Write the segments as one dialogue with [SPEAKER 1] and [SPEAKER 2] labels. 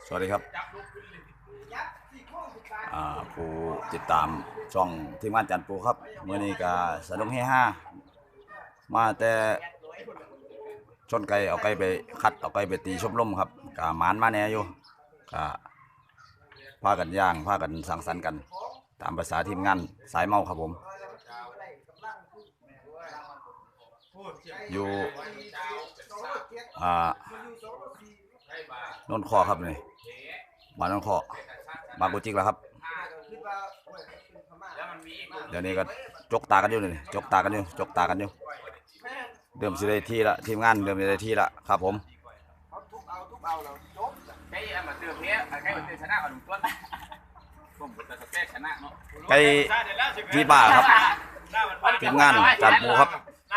[SPEAKER 1] สวัสดีครับผู้ติดตามช่องทีมงานจันปูครับเมื่อนี้ก็สนุกเฮฮามาแต่ชนไก่เอาไก่ไปคัดเอาไก่ไปตีชมลมครับกะหมานมาแน่อยู่กะพากันย่างพากันสังสรรค์กันตามภาษาทีมงานสายเมาครับผมอยู่นนท์คอครับนี่บ้านนนท์คอบางกุจิกแล้วครับเดี๋ยวนี้ก็จกตากันอยู่นี่จกตากันอยู่เดิมสิได้ที่ละทีมงานเดิมสิได้ที่ละครับผมไก่ที่บ้าครับทีมงานจันปูครับ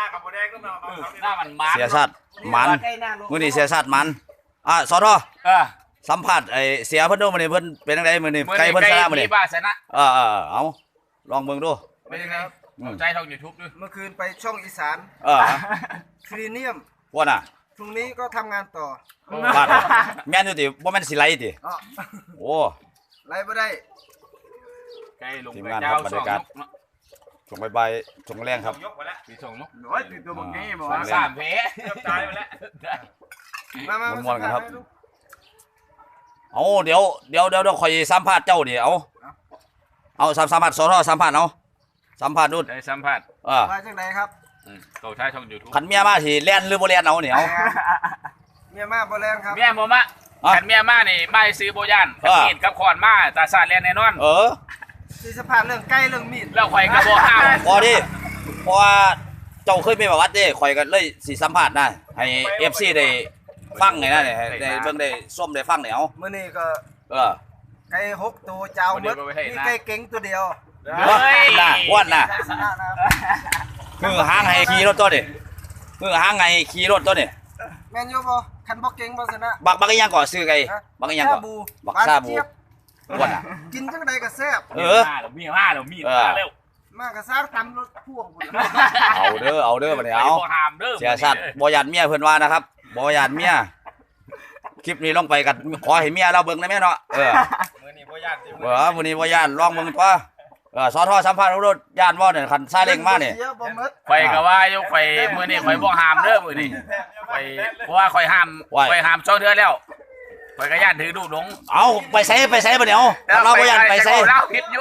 [SPEAKER 1] เสียชาติมันมื้อนี้เสียชาติมันสทสัมผัสไอเสียเพิ่นดูมื้อนี้เพิ่นเป็นจังไดมื้อนี้ไก่เพิ่นชนะมื้อนี้เอาลองเบิ่งดู
[SPEAKER 2] เป็นยังไงใจช่อง YouTube ด้วย
[SPEAKER 3] เมื่อคืนไปช่องอีสานคลีเนียม
[SPEAKER 1] ว่าน่ะ
[SPEAKER 3] พรุ่งนี้ก็ทำงานต่
[SPEAKER 1] อบาดแม่นอยู่ติบ่แม่นสิไลติโอ้
[SPEAKER 3] ไลบ่ได้
[SPEAKER 2] ไก่ลงไปเจ้าบรรยากาศ
[SPEAKER 1] ช่วงบ่ายๆช่วงแรงครับ
[SPEAKER 2] มีช่วงนกโอ้ยตัวบังงี้บ่ว่า3เพตายไปแล้ว
[SPEAKER 1] ม่วนๆกันครับเอาเดี๋ยวค่อยสัมภาษณ์เจ้าดิเอาสัมภาษณ์สทสัมภาษณ์เอาสัมภาษณ์นู่น
[SPEAKER 2] ได้สัมภาษณ์
[SPEAKER 3] มาจากไหนครับ
[SPEAKER 2] เขาใช้ช่อง YouTube
[SPEAKER 1] คันเมียมาสิแล่นหรือบ่แล่นเอาเนี่ยเอา
[SPEAKER 3] เมียมาบ่แล่นครับ
[SPEAKER 2] เมียบ่มาคันเมียมานี่ไม่ซื้อบ่ย่านกับมีดกับขอนมาตาซาดแล่นแน่นอน
[SPEAKER 3] สิสัมภาษณ์เรื่องไก่เรื่องมีด
[SPEAKER 2] แล้วข่อยก็บ่ห้าม
[SPEAKER 1] พอดิเพราะว่าเจ้าเคยมีประวัติเด้ข่อยก็เลยสิสัมภาษณ์นะให้ FC ได้ฟังไงนะได้เบิ่งได้ส้มได้ฟังเนี่ยเอา
[SPEAKER 3] มื้อนี้ก็ไก่6ตัวเจ้าหมดมีไก่เก่งตัวเดียว
[SPEAKER 1] น่ะอ้วนน่ะมือหางให้ขี่รถตัวนี่มือหางให้ขี่รถตัวนี่
[SPEAKER 3] แม่นอยู่บ่คันบ่เก่งบ่ชนะ
[SPEAKER 1] บักอีหยังก่อซื้อไก่บักอีหยังก่อบักซาบูอ้วนน่ะ
[SPEAKER 3] กินจังได๋ก็แซ่บ
[SPEAKER 2] มีมาแล้วมีมาแล้ว
[SPEAKER 3] มาก็ซักตำรถพ่วงพุ่น
[SPEAKER 1] เอาเด้อบัดนี้เอาเสียสัตว์บ่ญาติเมียเพิ่นว่านะครับบ่ญาติเมียคลิปนี้ลงไปกันขอให้เมียเราเบิ่งได้แม่เนาะ
[SPEAKER 2] มื้อนี้บ่ญาติ
[SPEAKER 1] มื้อนี้บ่ญาติลองเบิ่งตัวสทสัมภาษณ์รถญาติบ่เนี่ยคันซาเล้งมาเนี่ย
[SPEAKER 2] ข่อยก็ว่าอยู่ข่อยมื้อนี้ข่อยบ่ห้ามเด้อมื้อนี้ข่อยเพราะว่าข่อยห้าม2เดือนแล้วข่อยก็ญาติถือลูกหลง
[SPEAKER 1] เอาไปใส่บ่เนี่ยเอาเราบ่ญาติไปใส่
[SPEAKER 2] เราผิดอยู่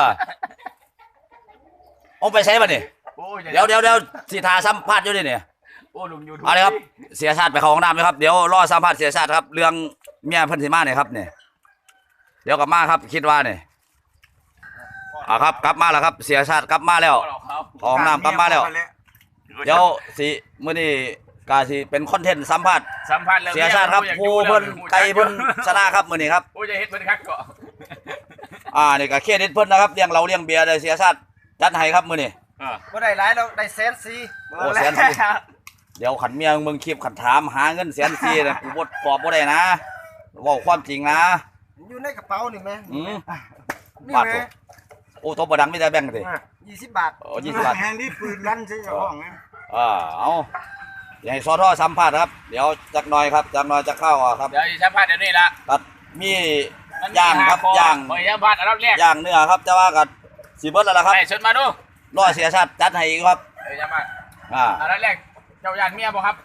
[SPEAKER 1] เอาไปใส่บ่เนี่ยเดี๋ยวสิท่าสัมภาษณ์อยู่นี่เนี่ยเอาเลยครับเสียชาติไปเข้าห้องน้ำเลยครับเดี๋ยวรอสัมภาษณ์เสียชาติครับเรื่องเมียเพิ่นสิมาเนี่ยครับเนี่ยเดี๋ยวกลับมาครับคิดว่าเนี่ยครับกลับมาแล้วครับเสียชาติกลับมาแล้วห้องน้ำกลับมาแล้วเดี๋ยวสิมื้อนี้ก็สิเป็นคอนเทนต์สัมภาษณ์เสียชาติครับผู้เพิ่นไก่เพิ่นชนะครับมื้อนี้ครับ
[SPEAKER 2] โอ้ยจะเฮ็ดเพิ่นคักก็
[SPEAKER 1] นี่ก็เครดิตเพิ่นนะครับเลี้ยงเราเลี้ยงเบียร์ได้เสียชาติจัดให้ครับมื้อนี้
[SPEAKER 3] บ่ได้หลายแล้วได้100,000
[SPEAKER 1] โอ้100,000เดี๋ยวขันเมียมึงคลิปขันถามหาเงิน100,000นะกูบ่ตอบบ่ได้นะเว้าความจริงนะ
[SPEAKER 3] อยู่ในกระเป๋านี่แม่
[SPEAKER 1] บาทโอ้ตัวบ่ดังมีแต่แบ่งกันดิ
[SPEAKER 3] 20 บาท
[SPEAKER 1] โอ้20 บาท
[SPEAKER 3] แฮงที่ปืนลั่นใส่ห้องนะ
[SPEAKER 1] เอาอย่าให้สทสัมภาษณ์ครับเดี๋ยวจักหน่อยครับจักหน่อยจะเข้าครับ
[SPEAKER 2] เดี๋ยวสัมภาษณ์เดี๋ยวนี้ละ
[SPEAKER 1] ตัดมีย่างครับย่าง
[SPEAKER 2] สัมภาษณ์อันดับแรก
[SPEAKER 1] ย่างเนื้อครับจะว่ากันสิเบิดแล้วล่ะครับ
[SPEAKER 2] ให้เชิญมาดู
[SPEAKER 1] รอเสียชาติจัดให้อีกครับ
[SPEAKER 2] สัมภาษณ์อันดับแรกเจ้าญาติเมียบ่ครับ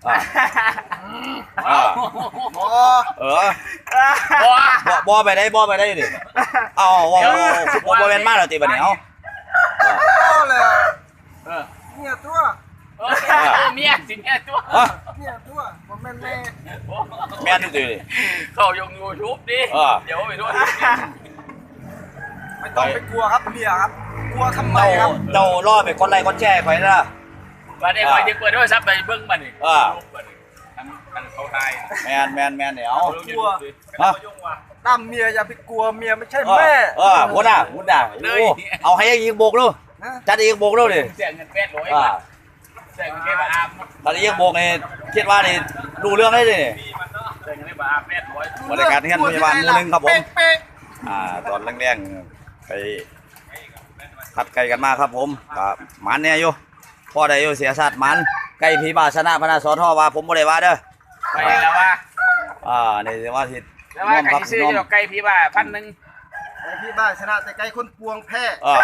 [SPEAKER 1] บ่ไปได้ดิเอาบ่แม่นมาแล้วติบัดนี้เอา
[SPEAKER 3] เลยเมียตัว
[SPEAKER 2] เมียสิเมียตัว
[SPEAKER 3] บ่แม่นแม่
[SPEAKER 1] นี่ติ
[SPEAKER 2] เข้าลง YouTube ดิเดี๋ยวไปดู
[SPEAKER 3] ไม่ต้องไปกลัวครับเมียครับกลัวทำไมครับ
[SPEAKER 1] เจ้ารอไปกดไลค์กดแชร์ข่อยนะ
[SPEAKER 2] บัดนี้ข่อยสิเปิดโทรศัพท์ไปเบิ่งบัดนี้ทั้งเขาทาย
[SPEAKER 1] แม่นเดี๋ยว
[SPEAKER 3] กลัวตั้มเมียอย่าไปกลัวเมียไม่ใช่แม่
[SPEAKER 1] พุ่นน่ะเอาให้อีกโบกดูจัดอีกโบกดูดิ
[SPEAKER 2] เสียเงิน800เสียเงินบาทอาบ
[SPEAKER 1] ตอนนี้อีกโบกนี่คิดว่านี่รู้เรื่องได้ดิ
[SPEAKER 2] เสียเงินบาทอาบ800
[SPEAKER 1] บริการที่พยาบาลมื้อนึงครับผมตอนแรงๆไปขัดไก่กันมาครับผมกับหมันเนี่ยอยู่พ่อได้อยู่เสียชาติหมันไก่ผีบาชนะพนาสทว่าผมบ่ได้ว่าเด้อ
[SPEAKER 2] ไปแล้วว่า
[SPEAKER 1] นี่ว่าสิ
[SPEAKER 2] แต่ว่าไก่ซื้อจะไก่พี่บ้า1,000
[SPEAKER 3] ไก่พี่บ้านชนะแต่ไก่คนปวงแพ้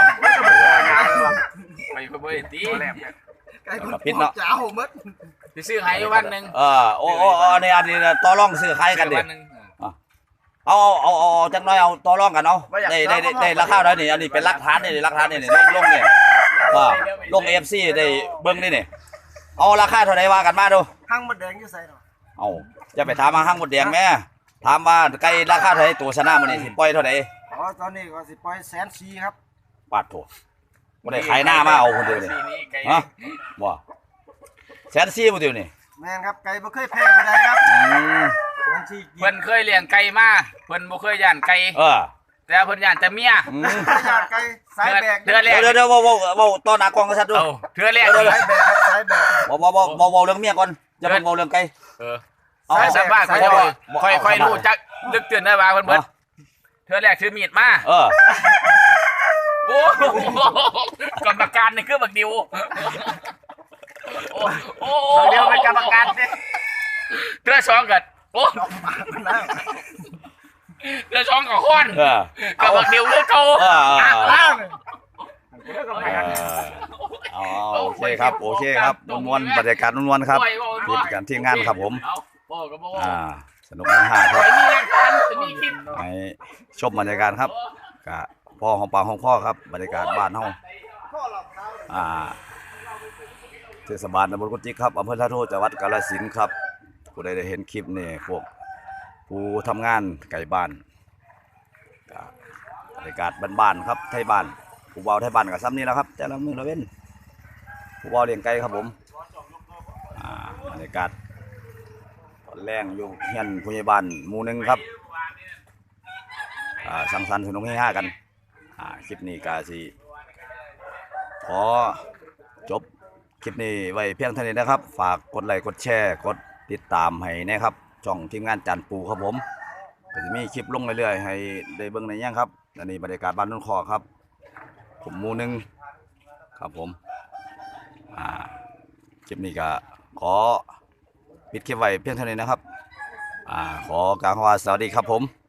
[SPEAKER 2] ไปก็บ่ได้ตี
[SPEAKER 3] ไก่คนปวงจ้าโหมด
[SPEAKER 2] สิซื้อให้อยู่1,000
[SPEAKER 1] โอ้นี่อันนี้ต่อรองซื้อขายกันดิเอาจังน้อยเอาต่อรองกันเอาได้ราคาเท่านี้อันนี้เป็นหลักฐานนี่หลักฐานนี่ลงนี่ลง FC ได้เบิ่งนี่นี่เอาราคาเท่าไหร่ว่ากันมาดู
[SPEAKER 3] หั่งมดแดงอยู่ใส่เนาะ
[SPEAKER 1] เอาจะไปถามมาห้างหมดแดงแม่ถามว่าไก่ราคาเท่าไหร่ตัวชนะมันนี่สิปล่อยเท่าไหร่
[SPEAKER 3] อ๋อตอนนี้ก็สิปล่อย140,000ครับ
[SPEAKER 1] ปาดโถบ่ได้ขายหน้ามาเอาคนเดียวนี่ฮะบ่140,000บ่เดียวนี่
[SPEAKER 3] แม่นครับไก่บ่เคยแพ้ผู้ใดครับ140,000
[SPEAKER 2] เพิ่นเคยเลี้ยงไก่มาเพิ่นบ่เคยย่านไก่ แต่เพิ่นย่านแต่เมีย
[SPEAKER 3] ญาติไก่สายแบก
[SPEAKER 2] เทื่อแรก
[SPEAKER 1] เดี๋ยวเว้าต่อหน้ากล้องกันซะดู
[SPEAKER 2] เทื่อแรก
[SPEAKER 3] สายแบกครับสายแบก
[SPEAKER 1] บ่เรื่องเมียก่อนจะเป็นเว้าเรื่องไก่
[SPEAKER 2] สายสัมภาษณ์ค่อยรู้จักลึกตื่นได้ว่าเพิ่นเทื่อแรกถือมีดมาโอ้กรรมการนี่คือบักดิวโอ้เดียวเป็นกรรมการเด้เทื่อสองกันโอ้เทื่อสองกับคนกับบักดิวคือเก่า
[SPEAKER 1] โอเคครับนวลบรรยากาศนวลครับที่การที่งานครับผมสนุกมากครับให้ชมบรรยากาศครับกับพ่อของปากของพ่อครับบรรยากาศบ้านเฮาเทศบาลตำบลกุจิกครับอำเภอท่าโทจังหวัดกาฬสินธุ์ครับผู้ใดได้เห็นคลิปนี่พวกผู้ทำงานไก่บ้านบรรยากาศบ้านๆครับไทยบ้านผู้เบาไทยบ้านกับซ้ำนี่แหละครับแต่ละมือละเว้นผู้เบาเลี้ยงไก่ครับผมบรรยากาศแรงอยู่เฮียนผู้ใหญ่บ้านหมู่หนึ่งครับสังสรรค์สนุกเฮฮากันคลิปนี้ก็สิขอจบคลิปนี้ไว้เพียงเท่านี้นะครับฝากกดไลค์กดแชร์กดติดตามให้นะครับช่องทีมงานจานปูครับผมก็จะมีคลิปลงเรื่อยๆให้ได้เบิ่งในย่างครับอันนี้บรรยากาศบ้านนุ่นคอครับผมหมู่หนึ่งครับผมคลิปนี้ก็ขอปิดคลิปไว้เพียงเท่านี้นะครับขอกล่าวคำว่าสวัสดีครับผม